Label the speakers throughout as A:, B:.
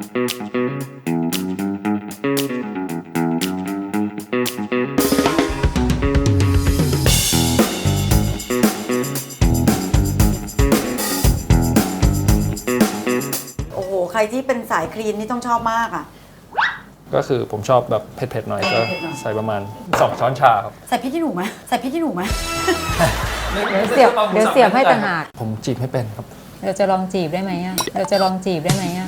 A: โอ้โหใครที่เป็นสายคลีนนี่ต้องชอบมากอ่ะ
B: ก็คือผมชอบแบบเผ็ดๆหน่อยก็ใส่ประมาณ2 ช้อนชาครับ
A: ใส่พริกขี้หนูไหมใส่พริกขี้หนูไหม
C: เดี๋ยวเสียบให้ต่างหาก
B: ผมจีบไม่เป็นครับ
C: เดี๋ยวจะลองจีบได้ไหมอ่ะเดี๋ยวจะลองจีบได้ไหมอ่ะ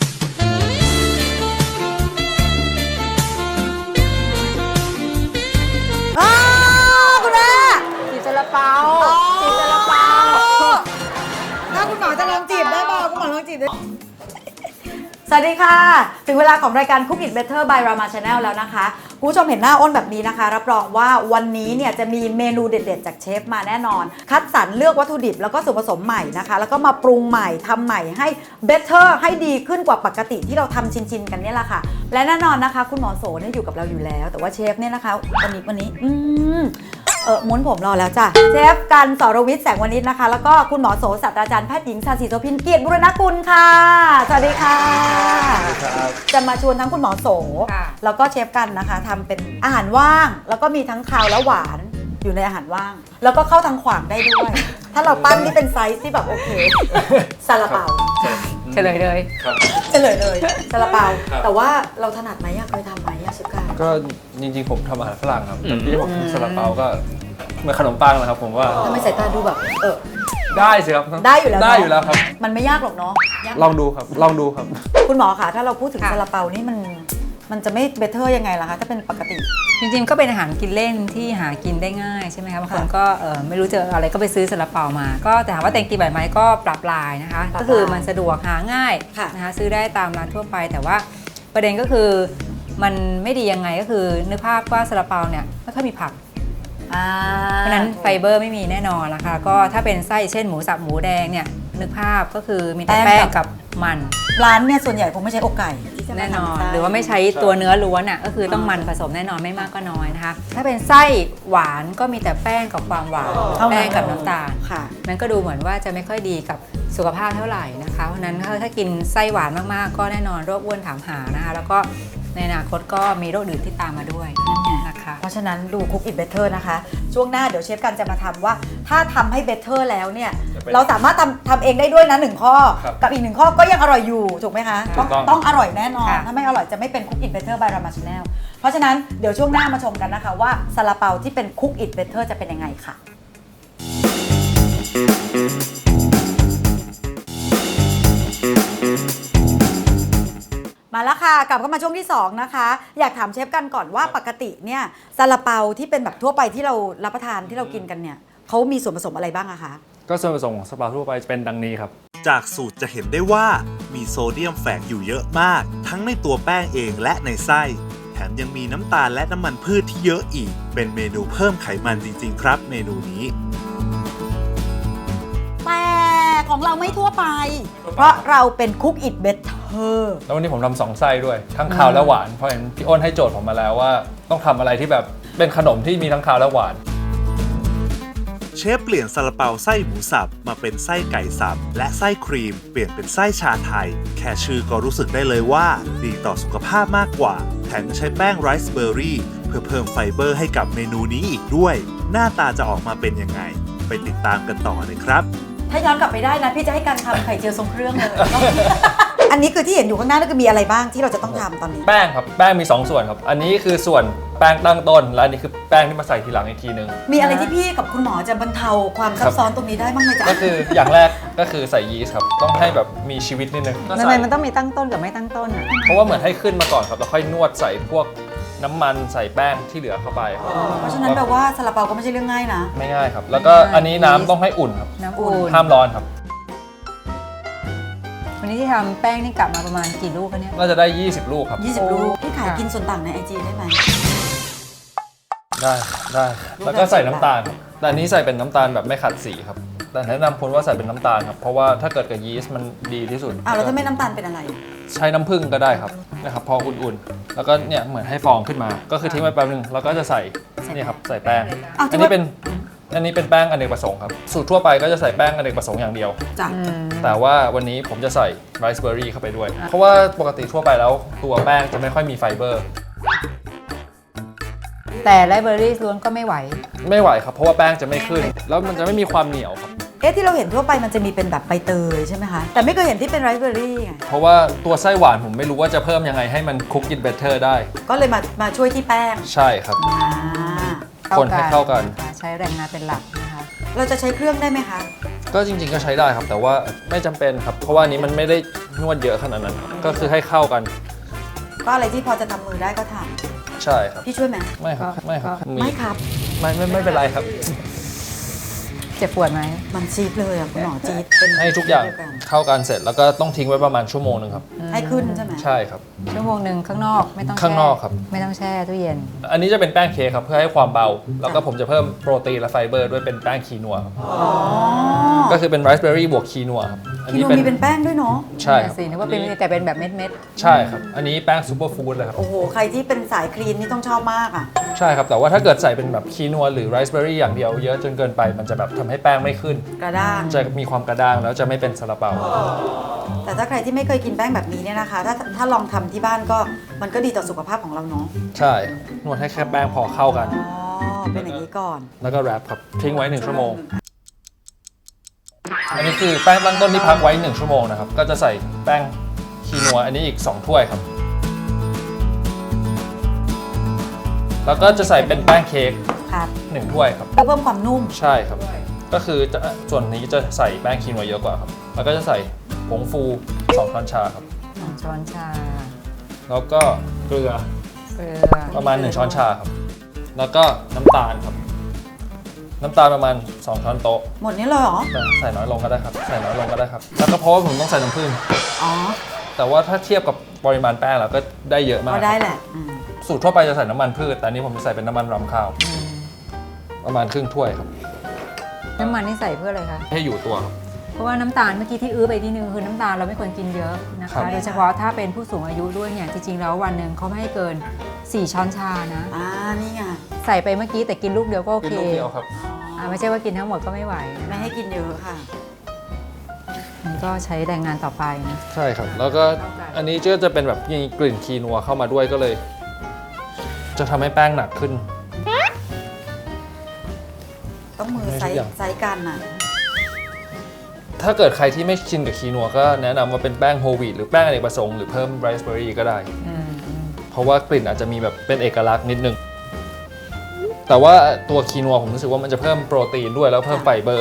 A: คุณแม่
C: จีบซาลาเปาจีบซาลาเปา
A: ถ้าคุณหมอจะลองจีบได้เปล่าคุณหมอลองจีบได้สวัสดีค่ะถึงเวลาของรายการ Cook It Better by Rama Channel แล้วนะคะคุณผู้ชมเห็นหน้าอ้นแบบนี้นะคะรับรองว่าวันนี้เนี่ยจะมีเมนูเด็ดๆจากเชฟมาแน่นอนคัดสรรเลือกวัตถุดิบแล้วก็ส่วนผสมใหม่นะคะแล้วก็มาปรุงใหม่ทำใหม่ให้ better ให้ดีขึ้นกว่าปกติที่เราทำชินๆกันเนี่ยแหละค่ะและแน่นอนนะคะคุณหมอโสเนี่ยอยู่กับเราอยู่แล้วแต่ว่าเชฟเนี่ยนะคะวันนี้ม้วนผมรอแล้วจ้ะเชฟกันสรวิทย์แสงวณิชนะคะแล้วก็คุณหมอโสศาสตราจารย์แพทย์หญิงชาญศรีโสภินเกียรติบุรณกุลค่ะสวัสดีค่ะจะมาชวนทั้งคุณหมอโสแล้วก็เชฟกันนะคะทำเป็นอาหารว่างแล้วก็มีทั้งคาวและหวานอยู่ในอาหารว่างแล้วก็เข้าทางขวางได้ด้วยถ้าเราปั้นนี่เป็นไซส์ที่แบบโอเคซาลาเปา
C: เฉลยเลย
A: ซาลาเปาแต่ว่าเราถนัดไหมเคยทำไหมเชฟกัน
B: ก็จริงๆผมทำอาหารฝรั่งครับแต่ที่ผมทำซาลาเปาก็เหมือนขนมปังนะครับผมว่า
A: ทำไมสายตาดูแบบ
B: ได้สิครับ
A: ได้อยู่แล้ว
B: ครับ
A: มันไม่ยากหรอกเนาะ
B: ลองดูครับ
A: คุณหมอคะถ้าเราพูดถึงซาลาเปานี่มันจะไม่เบเตอร์ยังไงล่ะคะถ้าเป็นปกติ
C: จริงๆก็เป็นอาหารกินเล่นที่หากินได้ง่ายใช่ไหมคะบางคนก็ไม่รู้จะอะไรก็ไปซื้อซาลาเปามาก็แต่ถามว่าแต่งกินแบบไหมก็ปรับลายนะคะก็คือมันสะดวกหาง่ายนะคะซื้อได้ตามร้านทั่วไปแต่ว่าประเด็นก็คือมันไม่ดียังไงก็คือนึกภาพว่าซาลาเปาเนี่ยไม่ค่อยมีผักเพราะนั้นไฟเบอร์ไม่มีแน่นอนนะคะก็ถ้าเป็นไส้เช่นหมูสับหมูแดงเนี่ยนึกภาพก็คือมีแต่แป้งกับมัน
A: ร้านเนี่ยส่วนใหญ่คงไม่ใช้อกไก่
C: แน่นอนหรือว่าไม่ใช้ตัวเนื้อล้วนอ่ะก็คือต้องมันผสมแน่นอนไม่มากก็น้อยนะคะถ้าเป็นไส้หวานก็มีแต่แป้งกับความหวานแป้งกับน้ำตาลมันก็ดูเหมือนว่าจะไม่ค่อยดีกับสุขภาพเท่าไหร่นะคะเพราะนั้นถ้ากินไส้หวานมากๆก็แน่นอนโรคอ้วนถามหานะคะแล้วก็ในอนาคตก็มีโรคอื่นที่ตามมาด้วยนะคะ
A: เพราะฉะนั้นดู Cook It Better นะคะช่วงหน้าเดี๋ยวเชฟกันจะมาทำว่าถ้าทำให้ better แล้วเนี่ยเราสามารถทำเองได้ด้วยนะ1ข้อกับอีก1ข้อก็ยังอร่อยอยู่ถูกไหมคะต้องอร่อยแน่นอนถ้าไม่อร่อยจะไม่เป็น Cook It Better by Rama Channel เพราะฉะนั้นเดี๋ยวช่วงหน้ามาชมกันนะคะว่าซาลาเปาที่เป็น Cook It Better จะเป็นยังไงค่ะมาแล้วค่ะกลับเข้ามาช่วงที่2นะคะอยากถามเชฟกันก่อนว่าปกติเนี่ยซาลาเปาที่เป็นแบบทั่วไปที่เรารับประทานที่เรากินกันเนี่ยเขามีส่วนผสมอะไรบ้างอะคะ
B: ก็ส่วนผสมของซาลาเปาทั่วไปเป็นดังนี้ครับ
D: จากสูตรจะเห็นได้ว่ามีโซเดียมแฝงอยู่เยอะมากทั้งในตัวแป้งเองและในไส้แถมยังมีน้ำตาลและน้ำมันพืชที่เยอะอีกเป็นเมนูเพิ่มไขมันจริงๆครับเมนูนี้
A: แต่ของเราไม่ทั่วไปเพราะเราเป็น Cook It Better
B: แล้ววันนี้ผมทำ2ไส้ด้วยทั้งคาวและหวานเพราะเห็นพี่อ้นให้โจทย์ผมมาแล้วว่าต้องทำอะไรที่แบบเป็นขนมที่มีทั้งคาวและหวาน
D: เชฟเปลี่ยนซาลาเปาไส้หมูสับมาเป็นไส้ไก่สับและไส้ครีมเปลี่ยนเป็นไส้ชาไทยแค่ชื่อก็รู้สึกได้เลยว่าดีต่อสุขภาพมากกว่าแถมยังใช้แป้งไรซ์เบอร์รี่เพื่อเพิ่มไฟเบอร์ให้กับเมนูนี้อีกด้วยหน้าตาจะออกมาเป็นยังไงไปติดตามกันต่อเลยครับ
A: ถ้าย้อนกลับไปได้นะพี่จะให้การทำไข่เจียวทรงเครื่องเลย อันนี้คือที่เห็นอยู่ข้างหน้านั่นคือมีอะไรบ้างที่เราจะต้องทำตอนนี้
B: แป้งครับแป้งมี2ส่วนครับอันนี้คือส่วนแป้งตั้งต้นและอันนี้คือแป้งที่มาใส่ทีหลังอีกทีนึง
A: มีอะไรที่พี่กับคุณหมอจะบรรเทาความซับซ้อนตรงนี้ได้บ้างไหมจ๊ะ
B: ก็คืออย่างแรกก็คือใส่ยีสต์ครับต้องให้แบบมีชีวิตนิดนึง
C: ทำไมมันต้องมีตั้งต้นกับไม่ตั้งต้นอ่ะ
B: เพราะว่าเหมือนให้ขึ้นมาก่อนครับแล้วค่อยนวดใส่พวกน้ำมันใส่แป้งที่เหลือเข้าไป
A: เพราะฉะนั้นแปลว่าซาลาเปาก็ไม่ใช่เรื่องง่ายนะ
B: ไม่ง่ายครับแล้วก็อันนี้น้ำต้องให้อุ่นครับ
C: น้ำอุ่น
B: ห้ามร้อนครับ
C: วันนี้ที่ทำแป้งนี่กลับมาประมาณกี่ลูกคะเนี่ย
B: น่าจะได้20ลูกครับ
A: 20ลูกพี่ขายกินส่วนต่างใน IG ได้ไหม
B: ได้แล้วก็ใส่น้ำตาลแต่อันนี้ใส่เป็นน้ำตาลแบบไม่ขัดสีครับแต่แนะนำคนว่าใส่เป็นน้ำตาลครับเพราะว่าถ้าเกิดกับยีสต์มันดีที่สุด
A: แล้วถ้าไม่น้ำตาลเป็นอะไร
B: ใช้น้ำผึ้งก็ได้ครับนะครับพออุ่นๆแล้วก็เนี่ยเหมือนให้ฟองขึ้นมาก็คือทิ้งไว้แป๊บนึงแล้วก็จะใส่นี่ครับใส่แป้งอันนี้เป็นอันนี้เป็นแป้งอเนกประสงค์ครับสูตรทั่วไปก็จะใส่แป้งอเนกประสงค์อย่างเดียว
A: จ้ะ
B: แต่ว่าวันนี้ผมจะใส่ไรซ์เบอร์รี่เข้าไปด้วย เพราะว่าปกติทั่วไปแล้วตัวแป้งจะไม่ค่อยมีไฟเบอร์
C: แต่ไลฟ์เบอรี่ล้วนก็ไม่ไหว
B: ไม่ไหวครับเพราะว่าแป้งจะไม่ขึ้น แล้วมันจะไม่มีความเหนียวครับ
A: ที่เราเห็นทั่วไปมันจะมีเป็นแบบใบเตยใช่ไหมคะ แต่ไม่เคยเห็นที่เป็นไรซ์เบอร์รี่ไง
B: เพราะว่าตัวไส้หวานผมไม่รู้ว่าจะเพิ่มยังไงให้มันคุกกินเบเตอร์ได้
A: ก็เลยมาช่วยที่แป้ง
B: ใช่ครับ คนให้เข้ากัน
C: ใช้แรงงานเป็นหลักนะคะ
A: เราจะใช้เครื่องได้ไหมคะ
B: ก็จริงๆก็ใช้ได้ครับ แต่ว่าไม่จำเป็นครับ เพราะว่าอันนี้มันไม่ได้นวดเยอะขนาดนั้นครับก็คือให้เข้ากัน
A: ก็อะไรที่พอจะทำมือได้ก็ท
B: ใช่ครับ
A: ำพี่ช่วยไหม
B: ไม่ครับไม่ครับ
A: ไม่ครับ
B: ไม่เป็นไรครับ
C: เจ็บปวดไหม
A: มันจี๊ดเลยอ่ะคุณหมอจี๊ดเป็น
B: ให้ทุกอย่าง
A: เดีวกัน
B: เข้ากันเสร็จแล้วก็ต้องทิ้งไว้ประมาณชั่วโมงนึงครับ
A: ให้ขึ้นใช่ไหม
B: ใช่ครับ
C: ชั่วโมงหนึ่งข้างนอกไม่ต้องแช่
B: ข้างนอกครับ
C: ไม่ต้องแช่ตู้เย็น
B: อันนี้จะเป็นแป้งเค้กครับเพื่อให้ความเบา แล้วก็ผมจะเพิ่มโปรตีนและไฟเบอร์ด้วยเป็นแป้งคีนัวครับ
A: อ๋อ
B: ก็คือเป็นไรซ์เบอร์รี่บวกคีนัวครับอัน
A: คี
B: นี้
A: โนมีเป็นแป้งด้วยเนาะ
B: ใช่ครับ
C: สินึกว่าเป็นแต่เป็นแบบเม็ด
B: ใช่ครับอันนี้แป้งซูเปอร์ฟู้ดเลยครับ
A: โอ้โห ใครที่เป็นสายคลีนนี่ต้องชอบมากอ่ะ
B: ใช่ครับแต่ว่าถ้าเกิดใส่เป็นแบบคีนัวหรือไรซ์เบอร์รี่อย่างเดียวเยอะจนเกินไปมันจะแบบทำให้แป้งไม่ขึ้น
A: กระด้าง
B: จะมีความกระด้างแล้วจะไม่เป็นซาลาเปา
A: แต่ถ้าใครที่ไม่เคยกินแป้งแบบนี้เนี่ยนะคะ ถ้าลองทำที่บ้านก็มันก็ดีต่อสุขภาพของเราเนาะ
B: ใช่นวดให้แค่แป้งพอเข้ากัน
A: อ๋อ เป็นอย่างนี้ก่อน
B: แล้วก็แรปครับทิ้งไว้1ชั่วโมง อันนี้คือแป้งตั้งต้นที่พักไว้1ชั่วโมงนะครับก็จะใส่แป้งคีนัวอันนี้อีก2ถ้วยครับแล้วก็จะใส่เป็นแป้งเค้ก
A: ครับ
B: 1ถ้วยครับ
A: เพื่อเพิ่มความนุ่ม
B: ใช่ครับก็คือส่วนนี้จะใส่แป้งคีนัวเยอะกว่าครับแล้วก็จะใส่ผงฟู2ช้อนชาครับ
C: ๆ2ช้อนชา
B: แล้วก็เกลือ
C: เกลือ
B: ประมาณ1ช้อนชาครับแล้วก็น้ำตาลครับน้ำตาลประมาณ2ช้อนโต๊ะ
A: หมดนี้เลยเหรอ
B: ใส่น้อยลงก็ได้ครับใส่น้อยลงก็ได้ครับแล้วก็เพราะว่าผมต้องใส่น้ำผึ้ง
A: อ๋อ
B: แต่ว่าถ้าเทียบกับปริมาณแป้งแล้วก็ได้เยอะมาก
A: ก็ได้แหละ
B: สูตรทั่วไปจะใส่น้ำมันพืชแต่อันนี้ผมจะใส่เป็นน้ำมันรำข้าว ประมาณครึ่งถ้วยครับ
C: น้ำมันนี่ใส่เพื่ออะไรคะ
B: ให้อยู่ตัวครับ
C: เพราะว่าน้ำตาลเมื่อกี้ที่อื้อไปนิดนึงคือน้ำตาลเราไม่ควรกินเยอะนะ
B: ครั
C: คะ
B: บ
C: โดยเฉพาะถ้าเป็นผู้สูงอายุด้วยเนี่ยจริงๆแล้ววันหนึ่งเขาไม่ให้เกิน 4 ช้อนชานะ
A: นี่ไง
C: ใส่ไปเมื่อกี้แต่กินลูกเดียวก็โอ
B: กิน
C: เค
B: ลูกเดียวครับ
C: ไม่ใช่ว่ากินทั้งหมดก็ไม่ไหว
A: ไม่ให้กินเยอะค่ะ
C: มันก็ใช้แรงงานต่อไปนะ
B: ใช่ครับ แล้วก็อันนี้ก็จะเป็นแบบมีกลิ่นคีนัวเข้ามาด้วยก็เลย จะทำให้แป้งหนักขึ้น
A: ต้องมือ
B: ไม่
A: ไซ
B: ทุกอย่าง
A: ส์กันน่ะ
B: ถ้าเกิดใครที่ไม่ชินกับคีนัวก็แนะนำว่าเป็นแป้งโฮลวีตหรือแป้งอเนกประสงค์หรือเพิ่มไรซ์เบอร์รี่ก็ได้ เพราะว่ากลิ่นอาจจะมีแบบเป็นเอกลักษณ์นิดนึง แต่ว่าตัวคีนัวผมรู้สึกว่ามันจะเพิ่มโปรตีนด้วยแล้วเพิ่มไฟเบอร์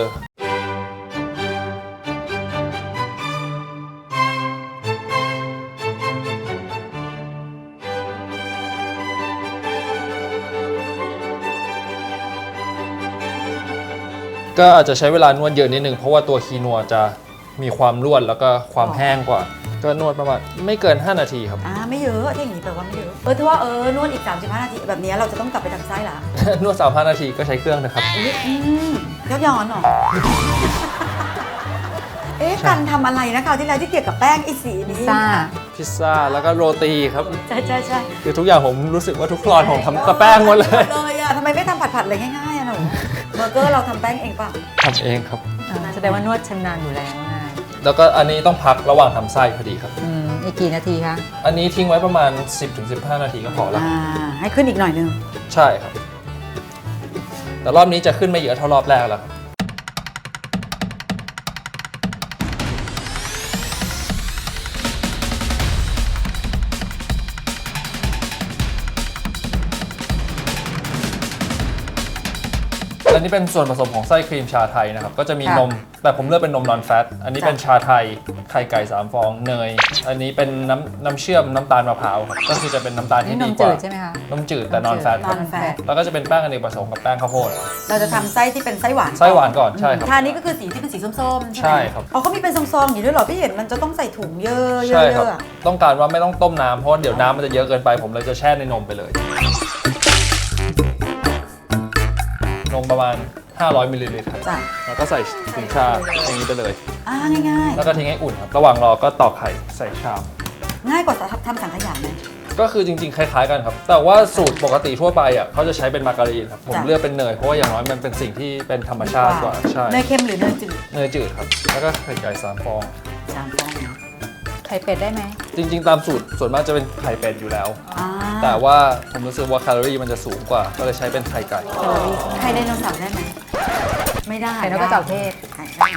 B: ก็อาจจะใช้เวลานวดเยอะนิดนึงเพราะว่าตัวคีนัวจะมีความร่วนแล้วก็ความแห้งกว่า ก็นวดประมาณไม่เกิน 5 นาทีครับ
A: ไม่เยอะที่อย่างนี้แปลว่าไม่เยอะ ถือว่านวดอีก 35 นาที แบบนี้เราจะต้องกลับไปทำไส้ละ
B: นวด35 นาทีก็ใช้เครื่องนะครับ
A: ย้อนย้อนเหรอ การทำอะไรนะคราวที่แล้วที่เกี่ยวกับแป้งไอ้สีนี้
C: ซ่า
B: พิซซ่าแล้วก็โรตีครับ
A: ใช่ใช่
B: คือทุกอย่างผมรู้สึกว่าทุกคลอนผมทำกับแป้งหมดเลย
A: เลยอ่ะทำไมไม่ทำผัดๆเลยง่ายๆอ่ะหนูเบอร์เกอร์เราทำแป้งเองเปล่ะ
B: ทำเองครับ
C: แสดงว่านวดชำนาญอยู่แล้วง่าย
B: แล้วก็อันนี้ต้องพักระหว่างทำไส้พอดีครับ
C: อีกกี่นาทีคะ
B: อันนี้ทิ้งไว้ประมาณ 10-15 นาทีก็พอแล้ว
A: ให้ขึ้นอีกหน่อยนึง
B: ใช่ครับ แต่รอบนี้จะขึ้นไม่เยอะเท่ารอบแรกแล้วครับ และนี่เป็นส่วนผสมของไส้ครีมชาไทยนะครับ ก็จะมีนม แต่ผมเลือกเป็นนมนอนแฟต อันนี้เป็นชาไทย ไข่ไก่3 ฟอง เนย อันนี้เป็นน้ำเชื่อมน้ำตาลมะพร้าวครับ ก็คือจะเป็นน้ำตาล
C: นี่
B: ที่
C: น
B: ดี
C: ม
B: ก
C: จื
B: ว่า
C: ดใช่ไหมคะ
B: นมจืดแต่นอนแฟตครับ
A: non-fat
B: แล้วก็จะเป็นแป้งอเนกประสงค์กับแป้งข้าวโพด
A: เราจะทำไส้ที่เป็นไส้หวาน
B: ไส้หวานก่อนใช่ครับ
A: ชานี้ก็คือสีที่เป็นสีส้มๆ
B: ใช่ครับ
A: เขามีเป็นซองๆอย่างนี้ด้วยเหรอ พี่เห็นมันจะต้องใส่ถุงเยอะๆ
B: ใช่ครับ
A: อะ
B: ต้องการว่าไม่ต้องต้มน้ำเพราะว่าเดี๋ยวน้ำมันจะเยอะเกินไป ผมเลยจะแช่ในนมไปเลย นมประมาณ 500 มิลลิลิตรครับ
A: จ้ะ
B: แล้วก็ใส่ถุงชาอย่างนี้ไปเลย
A: ง่าย
B: แล้วก็ทิ้งให้อุ่นครับ ระหว่างรอก็ตอกไข่ใส่ชาม
A: ง่ายกว่าทำสังขยาไหม
B: ก็คือจริงๆ คล้ายๆกันครับ แต่ว่าสูตรปกติทั่วไปอ่ะเขาจะใช้เป็นมาการีนครับ ผม
A: จ้ะ
B: เลือกเป็นเนยเพราะว่าอย่างน้อยมันเป็นสิ่งที่เป็นธรรมชาติกว่า ใช่
A: เนยเค็มหรือเนยจืด
B: เนยจืดครับ แล้วก็ไข่ไก่3 ฟอง
A: 3 ฟองนะ
C: ไข่เป็ดได้ไหม
B: จริงๆ ตามสูตรส่วนมากจะเป็นไข่เป็ดอยู่แล้ว
A: อ่า
B: แต่ว่าผมรู้สึกว่าแคลอรี่มันจะสูงกว่า ก็เลยใช้เป็นไข่ไก่
A: ไข่ไดโนเสาร์ได้ไหมไม่ได้
C: ไข่นกกระจอกเทศ
A: ไข่ได้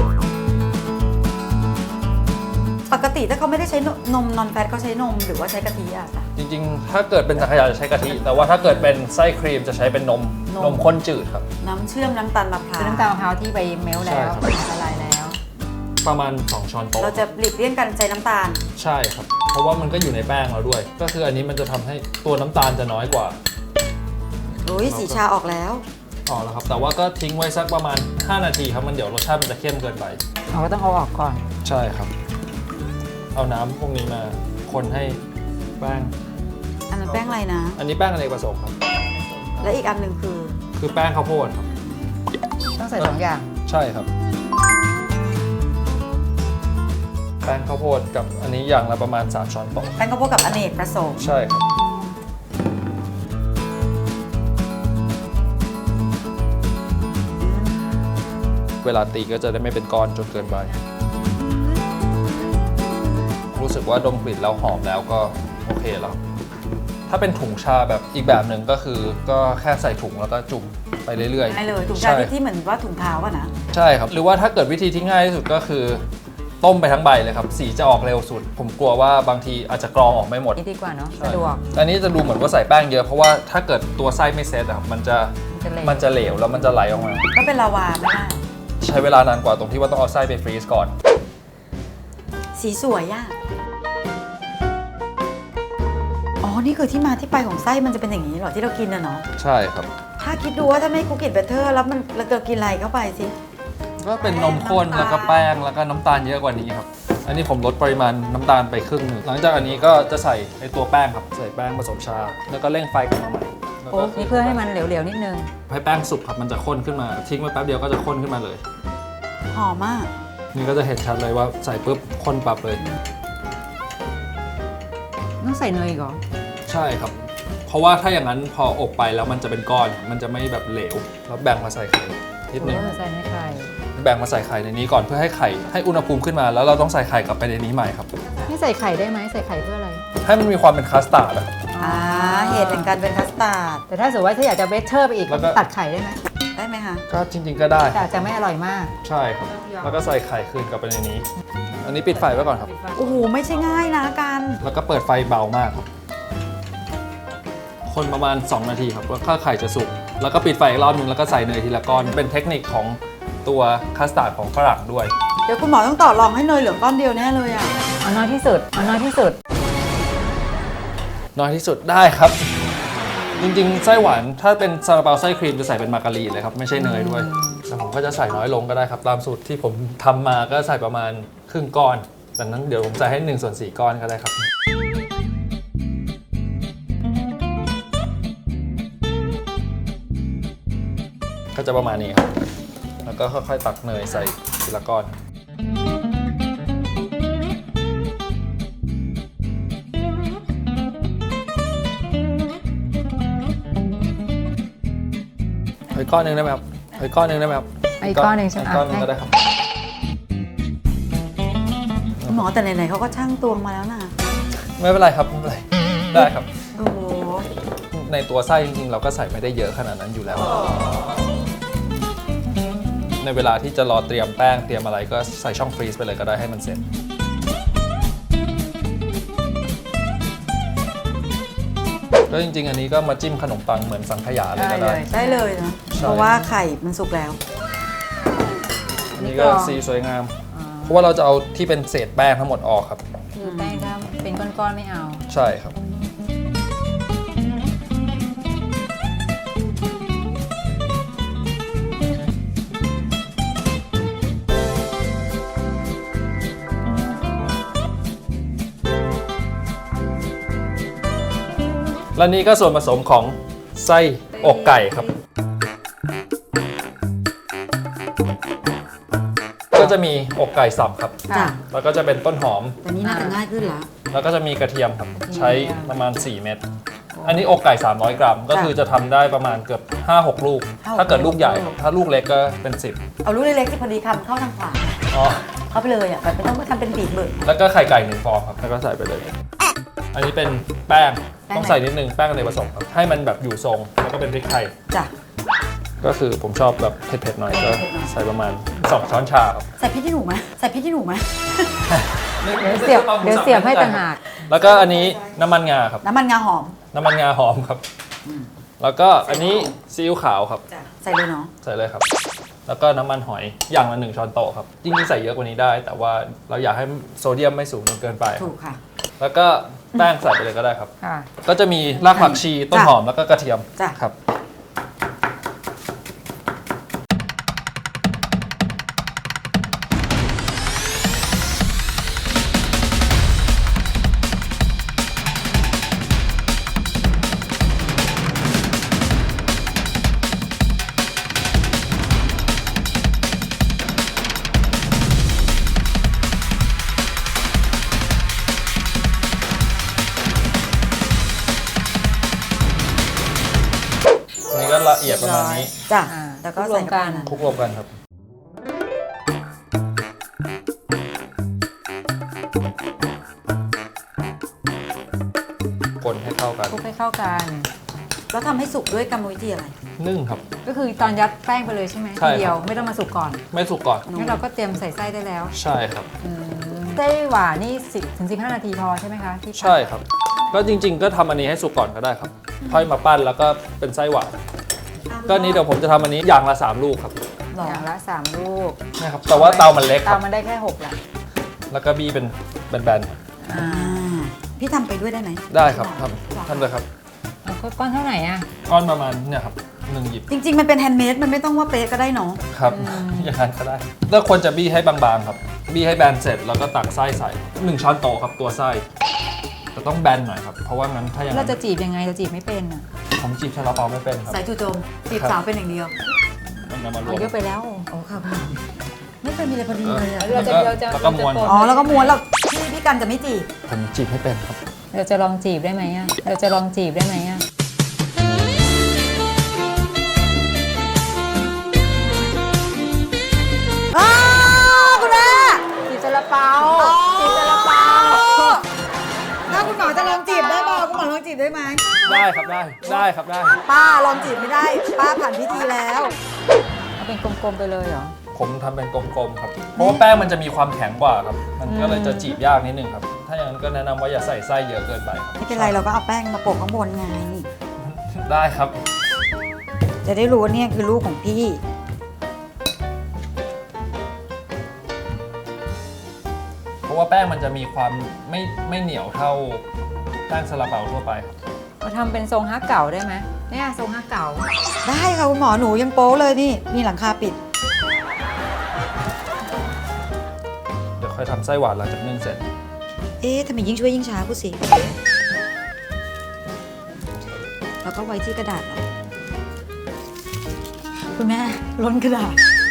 A: ปกติถ้าเขาไม่ได้ใช้นมนอนแฟตเขาใช้นมหรือว่าใช้กะทิอะจ้ะ
B: จริงๆ ถ้าเกิดเป็นสังขยาจะใช้กะทิ แต่ว่าถ้าเกิดเป็นไส้ครีมจะใช้เป็นนมข้นจืดครับ
A: น้ำเชื่อมน้ำตาลมะพร้าว
C: คือน้ำตาลมะพร้าวที่ไปเมลต์แล้ว
B: ใช่ครับ
C: ละลายแล้ว
B: ประมาณ 2 ช้อนโต๊ะ
A: เราจะหลีกเลี่ยงการใช้น้ำตาล
B: ใช่ครับ เพราะว่ามันก็อยู่ในแป้งเราด้วย ก็คืออันนี้มันจะทำให้ตัวน้ำตาลจะน้อยกว่า
A: โอ้ยสีชาออกแล้ว
B: อ๋อแล้วครับ แต่ว่าก็ทิ้งไว้สักประมาณ 5 นาทีครับ มันเดี๋ยวรสชาติมันจะเข้มเกินไป
C: เราก็ต้องเอาออกก่อน
B: ใช่ครับ เอาน้ำพวกนี้มาคนให้แป้ง
A: อันนั้นแป้งอะไรนะ
B: อันนี้แป้งอเนกประสงค์ครับ
A: และอีกอันหนึ่งคือ
B: คือแป้งข้าวโพดครับ
C: ต้องใส่2 อย่าง
B: ใช่ครับ แป้งข้าวโพดกับอันนี้อย่างละประมาณ 3 ช้อนโต๊ะ
A: แป้งข้าวโพดกับอเนกประสงค์
B: ใช่ครับ เวลาตีก็จะได้ไม่เป็นก้อนจนเกินไป รู้สึกว่าดมกลิ่นแล้วหอมแล้วก็โอเคแล้ว ถ้าเป็นถุงชาแบบอีกแบบหนึ่งก็คือก็แค่ใส่ถุงแล้วก็จุ่มไปเรื่อยๆ
A: ได้เลยถุงชา
B: ใช่
A: ที่เหมือนว่าถุงเท้าอะนะ
B: ใช่ครับ หรือว่าถ้าเกิดวิธีที่ง่ายที่สุดก็คือ ต้มไปทั้งใบเลยครับ สีจะออกเร็วสุด ผมกลัวว่าบางทีอาจจะกรองออกไม่หมด
C: นี่ดีกว่าเนาะ
B: ใช่
C: สะดวก
B: อันนี้จะดูเหมือนว่าใส่แป้งเยอะเพราะว่าถ้าเกิดตัวไส้ไม่เซตอะครับมันจะ
C: มันจะเหลว
B: แล้วมันจะไหลออกมา
A: ก็เป็นลาวาไม่ได้
B: ใช้เวลานานกว่าตรงที่ว่าต้องเอาไส้ไปฟรีซก่อน
A: สีสวยอะอ๋อ นี่คือที่มาที่ไปของไส้มันจะเป็นอย่างนี้เหรอที่เรากินอะเนาะ
B: ใช่ครับ
A: ถ้าคิดดูว่าถ้าไม่คุกกิ้งเบเตอร์แล้วมันเราจะกินอะไรเข้าไปสิ
B: ก็เป็นนมข้นแล้วก็แป้งแล้วก็น้ำตาลเยอะกว่านี้ครับ อันนี้ผมลดปริมาณน้ำตาลไปครึ่งหนึ่งหลังจากอันนี้ก็จะใส่ไอตัวแป้งครับ ใส่แป้งผสมชา แล้วก็เร่งไฟกลับมาใหม่แล้ว
C: โอ้
B: ก็
C: นี่เพื่อให้มันเหลวๆนิดนึง
B: ให้แป้งสุกครับมันจะข้นขึ้นมา ทิ้งไว้แป๊บเดียวก็จะข้นขึ้นมาเลย
A: หอมมาก
B: นี่ก็จะเห็นชัดเลยว่าใส่ปุ๊บข้นปรับเลย
C: ต้องใส่เนยอีกเหรอ
B: ใช่ครับ เพราะว่าถ้าอย่างนั้นพออบไปแล้วมันจะเป็นก้อน มันจะไม่แบบเหลว แล้วแบ่งมาใส่ไข่นิดนึง
C: ใส่ในไข่
B: แบ่งมาใส่ไข่ในนี้ก่อนเพื่อให้ไข่ให้อุณหภูมิขึ้นมาแล้วเราต้องใส่ไข่กลับไปในนี้ใหม่ครับ
C: ไม่ใส่ไข่ได้ไหมใส่ไข่เพื่ออะไร
B: ให้มันมีความเป็นคัสตาร์ดอะ
A: เหตุแห่งการเป็นคัสตาร์ด
C: แต่ถ้าสมมติว่าถ้าอยากจะเบสเทอร์ไปอีก
B: แล้วก็
C: ตัดไข่ได้ไหม
A: ได้ไหมคะ
B: ก็จริง ๆ ก็ได้
C: แต่อาจจะไม่อร่อยมาก
B: ใช่ครับ แล้วก็ใส่ไข่คืนกลับไปในนี้ อันนี้ปิดไฟไว้ก่อนครับ
A: โอ้โห ไม่ใช่ง่ายนะกัน
B: แล้วก็เปิดไฟเบามากครับ คนประมาณ 2 นาทีครับแล้วก็ไข่จะสุก แล้วก็ปิดไฟอีกรอบนึงแล้วก็ใส่เนยทีละก้อน เป็นเทคนิคของตัวคัสตาร์ดของฝรั่งด้วย
A: เดี๋ยวคุณหมอต้องต่อรองให้เนยเหลืองก้อนเดียวแน่เลยอะ
C: เอาน้อยที่สุด เอาน้อยที่สุด
B: น้อยที่สุดได้ครับ จริงๆ ไส้หวานถ้าเป็นซาลาเปาไส้ครีมจะใส่เป็นมาการีนเลยครับ ไม่ใช่เนยด้วยแต่ผมก็จะใส่น้อยลงก็ได้ครับ ตามสูตรที่ผมทำมาก็ใส่ประมาณครึ่งก้อนดังนั้นเดี๋ยวผมใส่ให้1/4 ก้อนก็ได้ครับ ก็จะประมาณนี้ครับ แล้วก็ค่อยๆตักเนยใส่ทีละก้อน อีกก้อนหนึ่งได้ไหมครับอีกก้อนหนึ่งได้ไหมครับ
C: อีกก้อนหนึ่งใช่ไหม
B: อีกก้อนหนึ่งก็ได้ครับ
A: คุณหมอแต่ไหนๆเขาก็ช่างตวงมาแล้วนะ
B: ไม่เป็นไรครับไม่เป็นไรได้ครับ
A: โอ้โห
B: ในตัวไส้จริงๆ เราก็ใส่ไม่ได้เยอะขนาดนั้นอยู่แล้ว ในเวลาที่จะรอเตรียมแป้งเตรียมอะไรก็ใส่ช่องฟรีซไปเลยก็ได้ให้มันเสร็จ ก็จริงๆ อันนี้ก็มาจิ้มขนมปังเหมือนสังขยาเลยก็ได้
A: ได้เลยนะ
B: ใช่
A: เพราะว่าไข่มันสุกแล้ว
B: อันนี้ก็สีสวยงาม เพราะว่าเราจะเอาที่เป็นเศษแป้งทั้งหมดออกครับ
C: คือแป้งถ้าเป็นก้อนๆไม่เอา
B: ใช่ครับ และนี่ก็ส่วนผสมของไส้อกไก่ครับ ก็จะมีอกไก่สับครับ
A: จ้ะ
B: แล้วก็จะเป็นต้นหอม
A: แต่นี่น่าจะง่ายขึ้นละ
B: แล้วก็จะมีกระเทียมครับใช้ประมาณ 4 เม็ดอันนี้อกไก่ 300 กรัม ก็คือจะทำได้ประมาณเกือบ 5-6 ลูก ถ้าเกิดลูกใหญ่ครับถ้าลูกเล็กก็เป็น 10
A: เอาลูกเล็กๆที่พอดีคำเข้าทางขวา
B: อ๋อ
A: เข้าไปเลยอ่ะแบบไม่ต้องมาทำเป็นบีบเบิร์
B: แล้วก็ไข่ไก่1 ฟองครับแล้วก็ใส่ไปเลย อันนี้เป็นแป้ง
A: แป้ง
B: ต้องใส่นิดนึงแป้งในผสมครับให้มันแบบอยู่ทรงแล้วก็เป็นพริกไทย
A: จ้ะ
B: ก็คือผมชอบแบบเผ็ดๆหน่อยก็ใส่ประมาณ2 ช้อนชาครับ
A: ใส่พริกขี้หนูไหมใส่พริกขี้หนูไหม
C: เดี๋ยวเสียบให้ต่างหาก
B: แล้วก็อันนี้น้ำมันงาครับ
A: น้ำมันงาหอม
B: น้ำมันงาหอมครับ แล้วก็อันนี้ซีอิ๊วขาวครับ
A: จ้ะใส่เลยเนาะ
B: ใส่เลยครับ แล้วก็น้ำมันหอยอย่างละ1 ช้อนโต๊ะครับจริงๆใส่เยอะกว่านี้ได้ แต่ว่าเราอยากให้โซเดียมไม่สูงจนเกินไป
A: ถูกค่ะ
B: แล้วก็แป้งใส่ไปเลยก็ได้ครับ
C: ค่ะ
B: ก็จะมีรากผักชีต้นหอมแล้วก็กระเทียม
A: จ้ะ
B: ครับ อันนี้ก็ละเอียดประมาณนี้
A: จ้ะ
C: อ่า
A: แล้วก็
C: ร
A: ใส่
C: วมกัน
B: คลุกรวมกันครับ คนให้เข้ากัน
C: คลุกให้เข้ากัน
A: แล้วทำให้สุกด้วยกรรมวิธีอะไร
B: นึ่งครับ
C: ก็คือตอนยัดแป้งไปเลยใช่ไหม
B: ใช่
C: ที
B: ครับ
C: เดียวไม่ต้องมาสุกก่อน
B: ไม่สุกก่อน
C: งั้นเราก็เตรียมใส่ไส้ได้แล้ว
B: ใช่ครับ
C: ไส้หวานนี่10 ถึง 15 นาทีพอใช่ไหมคะที่
B: ใช่ครับ ก็จริง ๆ ก็ทำอันนี้ให้สุกก่อนก็ได้ครับ ค่อยมาปั้นแล้วก็เป็นไส้หวาน ก็อันนี้เดี๋ยวผมจะทำอันนี้อย่างละ 3 ลูกครับ
A: หรอ
C: อย่างละ 3 ลูก
B: นะครับ แต่ว่าเตามันเล็กค
C: เตา
B: รับ
C: มันได้แค่6แหละ
B: แล้วก็บี้เป็นแบน
A: อ่าพี่ทำไปด้วยได้ไหม
B: ๆได้ครับทำเลยครับ
C: เอาก้อนเท่าไหร่อ่ะ
B: ก้อนประมาณเนี่ยครับ1 หยิบ
A: จริง ๆ มันเป็นแฮนด์เมดมันไม่ต้องว่าเป๊ะก็ได้เนาะ
B: ครับ อย่างนั้นก็ได้แล้วควรจะบี้ให้บางๆครับ บี้ให้แบนเสร็จแล้วก็ตักไส้ใส่1 ช้อนโต๊ะครับตัวไส้แต่ต้องแบนหน่อยครับ เพราะว่างั้นถ้าอย่าง
C: เรา
B: นั้น
C: จะจีบยังไงเราจีบไม่เป็นอ่ะ
B: ผมจีบซาลาเปาไม่เป็นครับ
A: ใส่จู่โจมจีบ
B: ครับ
A: สาวเป็นอย่างเดียว
B: มันจะมารว
C: เอา
B: ม
C: เยอะไปแล้ว
A: โอ้ค่ะคุณไม่เคยมีอะไรพอดีเลยอะ
C: เราจะ
B: แล้วก็ม้วน
A: อ๋อแล้วก็ม้วนแล้วพี่กันจะไม่จีบ
B: ผมจีบให้เป็นครับ
C: เราจะลองจีบได้ไหมอ่ะเราจะลองจีบได้ไหมอ่ะ
A: อ้าวคุณแม่
C: จีบซาลาเปาจีบซาลาเปา
A: ถ้าคุณหมอจะลองจีบได้เปล่าคุณหมอลองจีบได้ไหม
B: ได้ครับได้ครับได้
A: ป้าลองจีบไม่ได้ ป้าผ่านพิธีแล้ว
C: เอาเป็นกลมๆไปเลยเหรอ
B: ผมทำเป็นกลมๆครับ เพราะว่าแป้งมันจะมีความแข็งกว่าครับ มันก็เลยจะจีบยากนิดนึงครับ ถ้าอย่างนั้นก็แนะนำว่าอย่าใส่ไส้เยอะเกินไปครับ
A: ไม่เป็นไรเราก็เอาแป้งมาโปะข้างบนไง
B: ได้ครับ
A: จะได้รู้ว่าเนี่ยคือลูกของพี่
B: เพราะว่าแป้งมันจะมีความไม่เหนียวเท่าแป้งซาลาเปาทั่วไปครับ
C: เราทำเป็นทรงฮักเก่าได้ไหมเนี่ยทรงฮักเก่า
A: ได้ค่ะคุณหมอหนูยังโป๊เลยนี่ มีหลังคาปิด
B: เดี๋ยวค่อยทำไส้หวานหลังจากนึ่งเสร็จ
A: เอ๊ะทำไมยิ่งช่วยยิ่งช้าพูดสิ แล้วก็ไว้ที่กระดาษเหรอคุณแม่ล้นกระดาษ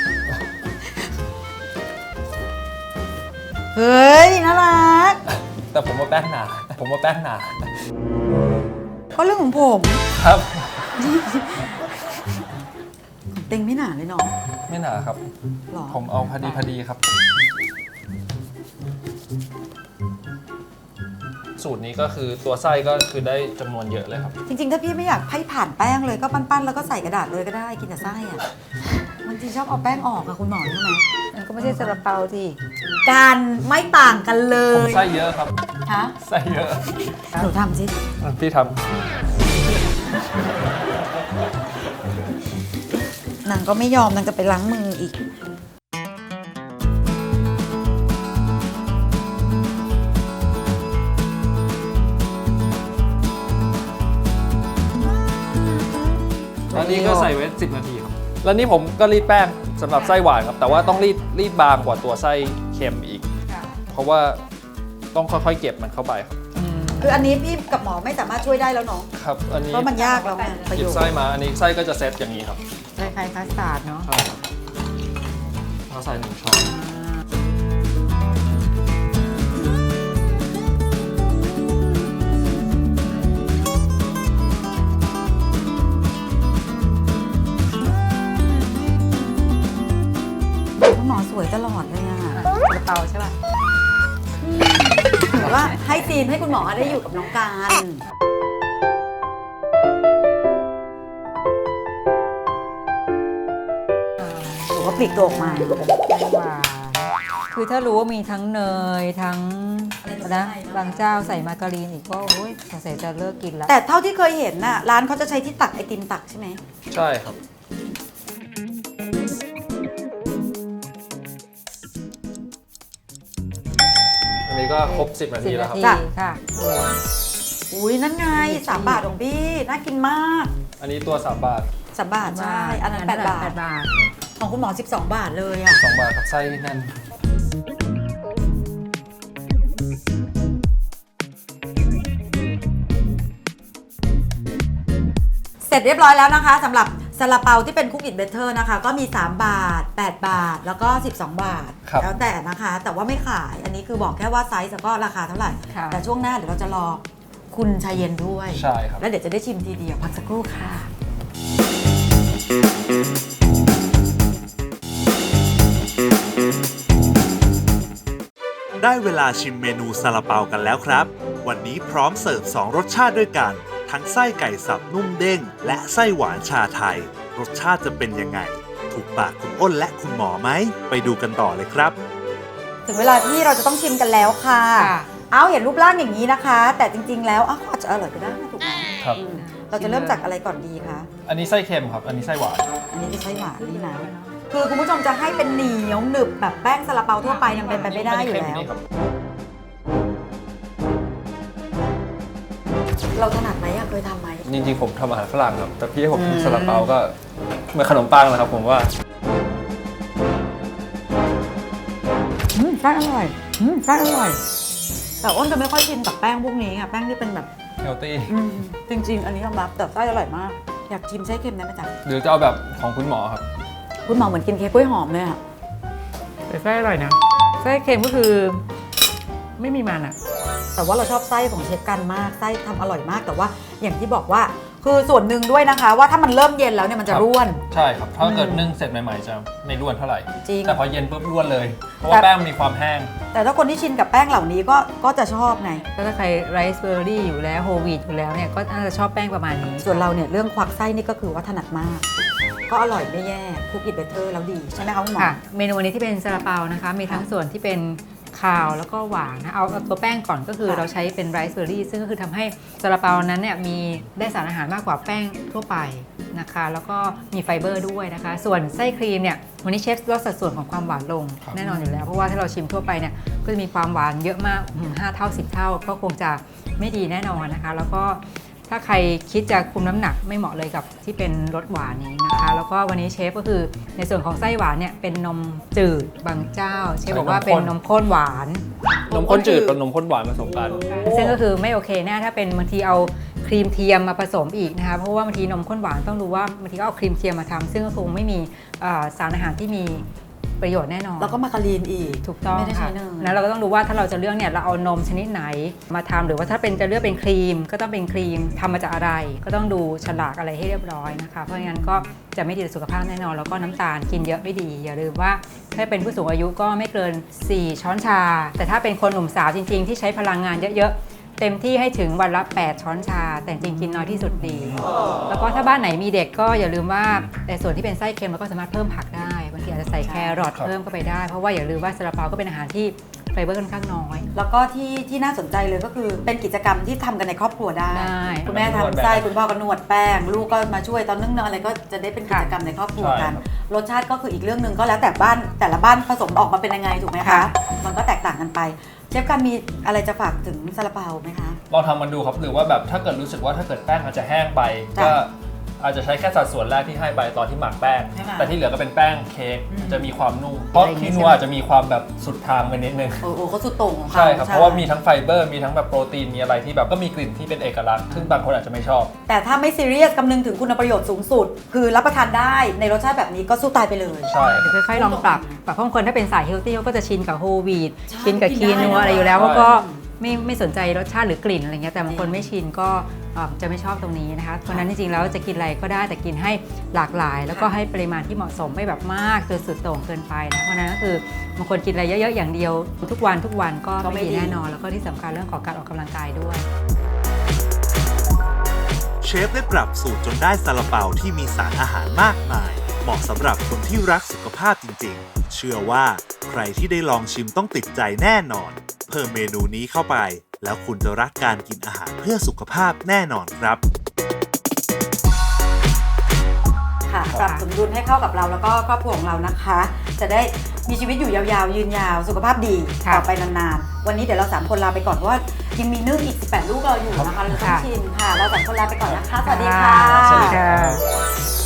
A: เฮ้ย น่ารัก
B: แต่ผมว่าแป้งหนา ผมว่าแป้งหนา
A: ก็เรื่องของผม
B: ครับ
A: ของเต็งไม่หนาเลยเนาะ
B: ไม่หนาครับ
A: หรอ
B: ผมเอาพอดีครับ สูตรนี้ก็คือตัวไส้ก็คือได้จำนวนเยอะเลยครับ
A: จริงๆ ถ้าพี่ไม่อยากให้ผ่านแป้งเลยก็ปั้นๆ แล้วก็ใส่กระดาษเลยก็ได้กินแต่ไส้อะบางทีชอบเอาแป้งออกอะคุณหมอใช่ไหม
C: มันก็ไม่ใช่ซาลาเปาที่
A: การไม่ต่างกันเล
B: ผม
A: ย
B: ไส้เยอะครับ
A: ฮะ
B: ไส้เยอะ
A: หนูทำสิ
B: พี่ท
A: นางก็ไม่ยอมนางจะไปล้างมืออีก
B: ำแล้วนี่ก็ใส่ไว้10 นาทีครับ แล้วนี่ผมก็รีดแป้งสำหรับไส้หวานครับ แต่ว่าต้องรีดบางกว่าตัวไส้เค็มอีก เพราะว่าต้องค่อยๆเก็บมันเข้าไปครับ
A: คืออันนี้พี่กับหมอไม่สามารถช่วยได้แล้วเนาะ
B: ครับ อันนี้
A: เพราะมันยากแล้วไงประ
B: ห
A: โย
B: ยิบ
A: ชน์
B: ไส้มา อันนี้ไส้ก็จะเซตอย่างนี้ครับ
C: คล้ายๆคัสตาร์ดเนาะ
B: ใช่ครับเราใส่1 ช้อน
C: อ่า
A: ดีนให้คุณหมอได้อยู่กับน้องการหรือว่าปลีกตัวออกมา
C: หวานคือถ้ารู้ว่ามีทั้งเนยทั้งนะบางเจ้าใส่มาการีนอีกก็โอ้ยสงสัยจะเลิกกินแล้ว
A: แต่เท่าที่เคยเห็นน่ะร้านเขาจะใช้ที่ตักไอติมตักใช่ไหม
B: ใช่ครับ อันนี้ก็ครบ 10 นาทีแล้วครับ
C: 10 นาทีค่ะ
A: อุ้ยนั่นไง3 บาทของพี่น่ากินมาก
B: อันนี้ตัว 3 บาท
A: 3 บาทใช่อันนั้น8 บาท
C: 8 บาท
A: ของคุณหมอ12 บาทเลยอ่ะ
B: 2 บาทครับไส้แน่น
A: เสร็จเรียบร้อยแล้วนะคะสำหรับซาลาเปาที่เป็นคุกอิทเบเตอร์นะคะ ก็มี3 บาท 8 บาทแล้วก็12 บาท
B: ครับ
A: แล้วแต่นะคะ แต่ว่าไม่ขายอันนี้คือบอกแค่ว่าไซส์แล้วก็ราคาเท่าไหร่
C: ค่ะ
A: แต่ช่วงหน้าเดี๋ยวเราจะรอคุณชายเย็นด้วย
B: ใช่ครับ
A: แล้วเดี๋ยวจะได้ชิมทีเดียวพักสักครู่ค่ะ
D: ได้เวลาชิมเมนูซาลาเปากันแล้วครับ วันนี้พร้อมเสิร์ฟ 2 รสชาติด้วยกัน ทั้งไส้ไก่สับนุ่มเด้ง และไส้หวานชาไทย รสชาติจะเป็นยังไง ถูกปากคุณอ้นและคุณหมอไหม ไปดูกันต่อเลยครับ
A: ถึงเวลาที่เราจะต้องชิมกันแล้วค่ะ
C: ค่ะ
A: เอาเห็นรูปร่างอย่างนี้นะคะ แต่จริงๆแล้วก็อาจจะอร่อยก็ได้นะถูกไหม
B: ครับ
A: เราจะเริ่มจากอะไรก่อนดีคะ
B: อันนี้ไส้เค็มครับ อันนี้ไส้หวาน
A: อันนี้จะใช้หวานนี่นะ คือคุณผู้ชมจะให้เป็นเหนียวหนึบแบบแป้งซาลาเปาทั่วไปยังเป็นไปไม่ได้อยู่แล้ว
B: ครับ
A: เราถนัดไหมอะเคยทำไหม
B: จริงๆผมทำอาหารฝรั่งครับ แต่พี่ให้ผมทำซาลาเปาก็เหมือนขนมปังนะครับผมว่า
A: ไส้อร่อยไส้อร่อย แต่อ้นจะไม่ค่อยชินกับแป้งพวกนี้อะแป้งที่เป็นแบบ
B: เฮลตี้
A: จริง ๆ อันนี้ยอมรับแต่ไส้อร่อยมาก อยากชิมไส้เค็มได้ไหมจ๊ะ
B: หรือจะเอาแบบของคุณหมอครับ
A: คุณหมอเหมือนกินเค้กกล้วยหอมเลยอะ
C: แต่ไส้อร่อยนะไส้เค็มก็คือไม่มีมันอ่ะ
A: แต่ว่าเราชอบไส้ของเชฟกันมากไส้ทำอร่อยมากแต่ว่าอย่างที่บอกว่าคือส่วนหนึ่งด้วยนะคะ ว่าถ้ามันเริ่มเย็นแล้วเนี่ยมันจะ
B: ครับ
A: ร่วน
B: ใช่ครับ ถ้าเกิดนึ่งเสร็จใหม่ๆจะไม่ร่วนเท่าไหร่
A: จริง
B: แต่พอเย็นปุ๊บร่วนเลย เพราะว่าแป้งมันมีความแห้ง
A: แต่ถ้าคนที่ชินกับแป้งเหล่านี้ก็จะชอบไง
C: ถ้าใครไรซ์เบอร์รี่อยู่แล้วโฮลวีตอยู่แล้วเนี่ยก็น่าจะชอบแป้งประมาณนี้
A: ส่วนเราเนี่ยเรื่องควักไส้นี่ก็คือว่าถนัดมาก ก็อร่อยไม่แย่คุกอิทเบเตอร์แล้วดีใช่ไหมคะคุณหมอ
C: ค่ะ เมนูวันนี้ที่เป็นซาลาเปานะคะมีทั้งส่วนที่เป็นคาวแล้วก็หวานนะเอาตัวแป้งก่อนก็คือ
A: ค่ะ
C: เราใช้เป็นไรซ์เบอร์รี่ซึ่งก็คือทำให้ซาลาเปานั้นเนี่ยมีได้สารอาหารมากกว่าแป้งทั่วไปนะคะแล้วก็มีไฟเบอร์ด้วยนะคะส่วนไส้ครีมเนี่ยวันนี้เชฟลดสัดส่วนของความหวานลง
B: ครับ
C: แน่นอนอยู่แล้วเพราะว่าถ้าเราชิมทั่วไปเนี่ยก็จะมีความหวานเยอะมาก5 เท่า 10 เท่าก็คงจะไม่ดีแน่นอนนะคะแล้วก็ถ้าใครคิดจะคุมน้ำหนักไม่เหมาะเลยกับที่เป็นรสหวานนี้นะคะแล้วก็วันนี้เชฟก็คือในส่วนของไส้หวานเนี่ยเป็นนมจืดบางเจ้าเชฟบอกว่าเป็นนมข้นหวาน
B: นมข้นจืดกับนมข้นหวานผสมกัน
C: ซึ่งก็คือไม่โอเคแน่ถ้าเป็นบางทีเอาครีมเทียมมาผสมอีกนะคะเพราะว่าบางทีนมข้นหวานต้องรู้ว่าบางทีก็เอาครีมเทียมมาทำซึ่งก็คงไม่มีสารอาหารที่มีประโยชน์แน่นอน
A: แล้วก็มาการีนอีก
C: ถูกต้อง
A: ไม่ได้ใช้
C: ค่ะ
A: เนย
C: แล้วเราก็ต้องดูว่าถ้าเราจะเลือกเนี่ยเราเอานมชนิดไหนมาทำหรือว่าถ้าเป็นจะเลือกเป็นครีมก็ต้องเป็นครีมทำมาจากอะไร ก็ต้องดูฉลากอะไรให้เรียบร้อยนะคะเพราะงั้นก็จะไม่ดีต่อสุขภาพแน่นอนแล้วก็น้ำตาลกินเยอะไม่ดีอย่าลืมว่าถ้าเป็นผู้สูงอายุก็ไม่เกิน 4 ช้อนชา แต่ถ้าเป็นคนหนุ่มสาวจริงๆ ที่ใช้พลังงานเยอะๆเต็มที่ให้ถึงวันละ 8 ช้อนชา แต่จริงๆกินน้อยที่สุดดี แล้วก็ถ้าบ้านไหนมีเด็กก็อย่าลืมว่าในส่วนที่เป็นไส้เค็มเราก็สามารถเพิ่มผักได้บางทีอาจจะใส่แครอท
B: ครับ
C: เพิ่มเข้าไปได้เพราะว่าอย่าลืมว่าซาลาเปาก็เป็นอาหารที่ไฟเบอร์ค่อนข้างน้อย
A: แล้วก็ที่น่าสนใจเลยก็คือเป็นกิจกรรมที่ทำกันในครอบครัวได้
C: ได้
A: คุณแม่ทำไส้คุณพ่อก็นวดแป้ง ลูกก็มาช่วยตอนนึ่งเนยอะไรก็จะได้เป็นกิจกรรมในครอบครัวกัน
B: ใช่ครับ
A: รสชาติก็คืออีกเรื่องหนึ่งก็แล้วแต่บ้านแต่ละบ้านผสมออกมาเป็นยังไงถูกไหมคะ
C: ค่ะ
A: มันก็แตกต่างกันไปเชฟกันมีอะไรจะฝากถึงซาลาเปาไหมคะ
B: ลองทำมันดูครับหรือว่าแบบถ้าเกิดรู้สึกว่าถ้าเกิดแป้งอาจจะแห้งไป
A: จ้ะ
B: ก็อาจจะใช้แค่สัดส่วนแรกที่ให้ไปตอนที่หมักแป้ง
A: ให้หมัก
B: แต่ที่เหลือก็เป็นแป้งเค้กจะมีความนุ่มเพราะคีนัวอาจจะมีความแบบสุดทางไปนิดนึง
A: โอ้โหเขาสุดโต่งของเขา
B: ใช่ครับเพราะว่ามีทั้งไฟเบอร์มีทั้งแบบโปรตีนมีอะไรที่แบบก็มีกลิ่นที่เป็นเอกลักษณ์ซึ่งบางคนอาจจะไม่ชอบ
A: แต่ถ้าไม่ซีเรียสคำนึงถึงคุณประโยชน์สูงสุด คือรับประทานได้ในรสชาติแบบนี้ก็สู้ตายไปเลย
B: ใช่
C: เดี๋ยวค่อยๆลองปรับเพราะบางคนถ้าเป็นสายเฮลตี้เขาก็จะชินกับโฮลวีต
A: ใช่
C: ชินกับ
A: กิ
C: คี
A: นได้
C: นัว
A: นะ
C: อะไรอยู่แล้ว
B: ใช่
C: เขาก็ไม่สนใจรสชาติหรือกลิ่นอะไรเงี้ยแต่บางคนไม่ชินก็จะไม่ชอบตรงนี้นะคะเพราะฉะนั้นจริงๆแล้วจะกินอะไรก็ได้แต่กินให้หลากหลาย แล้วก็ให้ปริมาณที่เหมาะสมไม่แบบมากจนสุดโต่งเกินไปนะเพราะฉะนั้นก็คือบางคนกินอะไรเยอะๆอย่างเดียวทุกวันก็ไม่ดีแน่นอนแล้วก็ที่สำคัญเรื่องของการออกกำลังกายด้วย
D: เชฟได้ปรับสูตรจนได้ซาลาเปาที่มีสารอาหารมากมาย เหมาะสำหรับคนที่รักสุขภาพจริงๆ เชื่อว่าใครที่ได้ลองชิมต้องติดใจแน่นอน เพิ่มเมนูนี้เข้าไป แล้วคุณจะรักการกินอาหารเพื่อสุขภาพแน่นอนครับ
A: ค่ะปรับสมดุลให้เข้ากับเราแล้วก็ครอบครัวของเรานะคะ จะได้มีชีวิตอยู่ยาวๆยืนยาวสุขภาพดี
C: ค่ะ
A: ต่อไปนานๆวันนี้เดี๋ยวเรา3คนลาไปก่อนเพราะว่ายังมีนึ่งอีก18ลูกเราอยู่นะคะเราต้องชิมค่ะเรา3คนลาไปก่อนนะคะสวัสดีค่ะ
B: สวัสดี
C: ค่ะ